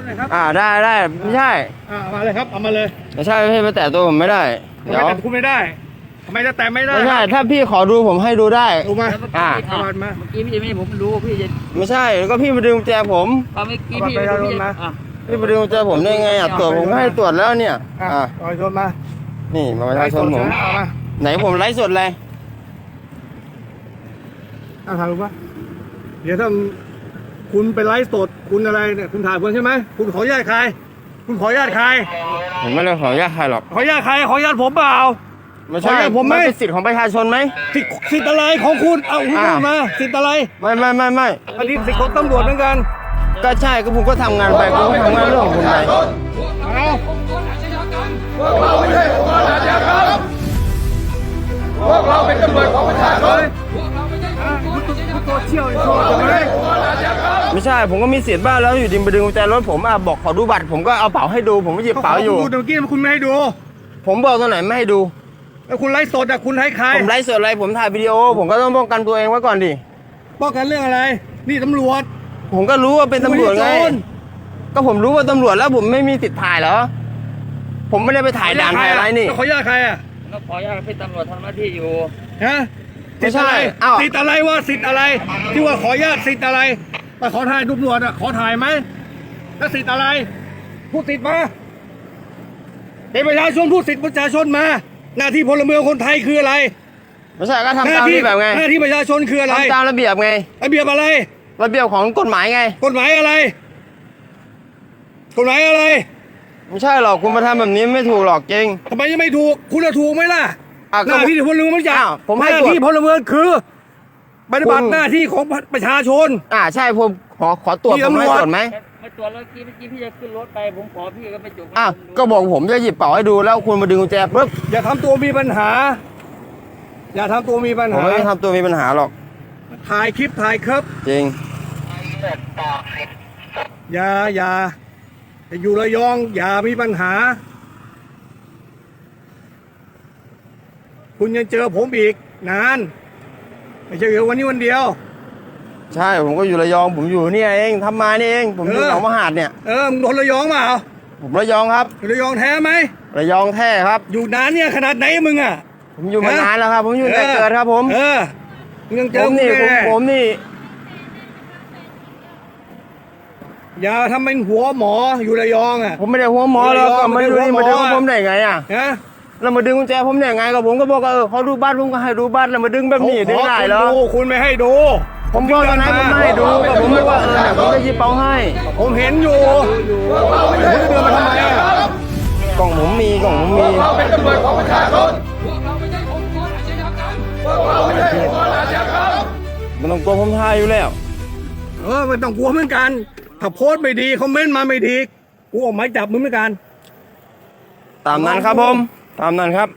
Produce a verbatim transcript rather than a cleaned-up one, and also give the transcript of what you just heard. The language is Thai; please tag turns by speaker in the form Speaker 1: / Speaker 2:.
Speaker 1: หน่อยครับ
Speaker 2: อ่าได้ได้ไม่ใช่
Speaker 1: อ่ามาเลยครับเอามาเลย
Speaker 2: ไม่ใช่พี่มาแตะตัวผมไม่ได้
Speaker 1: เดี๋ยวแต่คุณไม่ได้ทำไมจะแตะไม่ได้
Speaker 2: ไม่ใช่ถ้าพี่ขอดูผมให้ดูได้
Speaker 1: ดูมา
Speaker 2: อ่า
Speaker 1: เอาบัตรมา
Speaker 3: เมื่อกี้พี่จะไม่ผมรู้พี่จะ
Speaker 2: ไม่ใช่แล้วก็พี่มาดึงกุญแจผม
Speaker 3: ตอนเมื่อกี้พี่พี่จะอ่ะ
Speaker 2: พี่มาดึงกุญแจผมได้ไงอ่ะตรวจผมก็ให้ตรวจแล้วเนี่ย
Speaker 1: อ่าประชาชนมา
Speaker 2: นี่มาประชาชนผมไหนผมไลฟ์สดเลย
Speaker 1: อ่าถ่ายรูปปะเดี๋ยวถ้าคุณไปไลฟ์สดคุณอะไรเนี่ยคุณถ่ายคนใช่ไหมคุณขออนุญาตใครคุณขออนุญาตใคร
Speaker 2: ผมไม่ได้ขออนุญาตใครหรอก
Speaker 1: ขออนุญาตใครขออนุญาตผมเปล่า
Speaker 2: ไม่ใช่
Speaker 1: ผมไม่
Speaker 2: เป็นสิทธิ์ของประชาชนไหม
Speaker 1: สิทธิ์สิทธิ์อะไรของคุณเอาคุณพูดมาสิทธิ์อะไร
Speaker 2: ไม่ไม่ไม่ไม่
Speaker 1: อันนี้สิทธิ์ของตำรวจเหมือนกัน
Speaker 2: ก็ใช่ก็ผมก็ทำงานไปผมก็ทำงานเรื่องของคุณไป
Speaker 1: เอาพวกเราไม่ใช่องค์กรอาชญากรรมพวกเราเป็นตำรวจของประชาชนคุณโซเชียลโชว์ใช่ไหม
Speaker 2: ไม่ใช่ผมก็มีสิทธิ์บ้างแล้วอยู่ดีมาดึงกุญแจรถผมอ่ะบอกขอดูบัตรผมก็เอาเป๋าให้ดูผมก็หยิบเป๋าอยู่
Speaker 1: ดูเมื่อกี้คุณไม่ให้ดู
Speaker 2: ผมบอกตรงไหนไม่ให้ดู
Speaker 1: แล้วคุณไลฟ์สดอ่ะคุณให้ใคร
Speaker 2: ผมไลฟ์สดอะไรผมถ่ายวิดีโอผมก็ต้องป้องกันตัวเองไว้ก่อนดิ
Speaker 1: ป้องกันเรื่องอะไรนี่ตำรวจ
Speaker 2: ผมก็รู้ว่าเป็นตำรวจไงก็ผมรู้ว่าตำรวจแล้วผมไม่มีสิทธิ์ถ่ายเหรอผมไม่ได้ไปถ่ายด่านถ่ายอะไรนี่
Speaker 1: ขออนุญาตใครอ่ะ
Speaker 3: ก็ขออนุญาตเป็นตำรวจทำหน้าที่อยู่
Speaker 1: ฮะ
Speaker 2: ไม่ใช่
Speaker 1: สิทธิ์อะไรวะสิทธิ์อะไรที่ว่าขออนุญาตสิทธิ์อะไรมาขอถ่ายตำรวจอ่ะขอถ่ายไหมแล้วสิทธิ์อะไรพูดสิทธิ์มาเป็นประชาชนพูดสิทธิ์ประชาชนมาหน้าที่พลเมืองคนไทยคืออะไร
Speaker 2: ไม่ใช่ก็ทำตามระเบียบไง
Speaker 1: หน้าที่ประชาชนคืออะไร
Speaker 2: ทำตามระเบียบไง
Speaker 1: ระเบียบอะไร
Speaker 2: ระเบียบของกฎหมายไง
Speaker 1: กฎหมายอะไรกฎหมายอะไร
Speaker 2: ไม่ใช่หรอกคุณมาทำแบบนี้ไม่ถูกหรอกจริง
Speaker 1: ทำไมยังไม่ถูกคุณจะถูกไหมล่ะหน้าที่พลเมืองมันจะ
Speaker 2: ผมให้
Speaker 1: หน้าที่พลเมืองคือปฏิบัติหน้าที่ของประชาชน
Speaker 2: อ่าใช่ผมขอขอตรวจผมให้ตรวจไหม
Speaker 3: ไม่ตรวจแล้วกี้เมื่อกี้พี่จะขึ้นรถไปผมขอพี่ก็ไปจุก
Speaker 2: อ่ะก็บอกผมจะหยิบเป๋าให้ดูแล้วคุณมาดึงกุญแจปุ๊บ
Speaker 1: อย่าทำตัวมีปัญหาอย่าทำตัวมีปัญหา
Speaker 2: ผมไม่ทำตัวมีปัญหาหรอก
Speaker 1: ถ่ายคลิปถ่ายครับ
Speaker 2: จริง
Speaker 1: อย่าอย่าอยู่ระยองอย่ามีปัญหาคุณยังเจอผมอีกนานไม่ใช่เดี๋ยววันนี้วันเดียว
Speaker 2: ใช่ผมก็อยู่ระยองผมอยู่เนี่ยเองทำมานี่เองผมอยู่หนองมหาดเนี่ย
Speaker 1: เออมึงโดนระยองเปล่า
Speaker 2: ผมระยองครับ
Speaker 1: ระยองแท้ไหม
Speaker 2: ระยองแท้ครับ
Speaker 1: อยู่นานเนี่ยขนาดไหนมึงอ่ะ
Speaker 2: ผมอยู่มานานแล้วครับผมอยู่แต่เกิดครับผม
Speaker 1: เออมึงยังเจอ
Speaker 2: ผมนี่ผมนี่
Speaker 1: อย่าทำเป็นหัวหมออยู่ระยองอ่ะ
Speaker 2: ผมไม่ได้หัวหมอแล้วก็มาดูนี่มาดึงผมได้ไงอ่ะแล้วมาดึงกุญแจผมได้ไงก็ผมก็บอกเออเขาดูบ้านผมก็ให้ดูบ้านแล้วมาดึงแบบนี้ได้ไงเหรอ
Speaker 1: คุณไม่ให้ดู
Speaker 2: ผมบอกตอนนั้นผมไม่ให้ดูก็ผมไม่ว่าเออเนี่ยผมจะหยิบเป๋าให้
Speaker 1: ผมเห็นอยู่คุณเดินมาทำไมอ่ะ
Speaker 2: กล่องผมมีกล่องผมมี
Speaker 1: เราเป็นตำรวจของประชาชนพวกเราไม่ใช่องค์กรอาชญากรรมพวกเราไม่ใช่องค์กรอาชญากรรม
Speaker 2: มันต้องกลัวผมทายอยู่แล้ว
Speaker 1: เออมันต้องกลัวเหมือนกันถ้าโพสต์ไม่ดีคอมเมนต์มาไม่ดีกูออกหมายจับมึงเหมือนกัน
Speaker 2: ตามนั้นครับผมตามนั้นครับ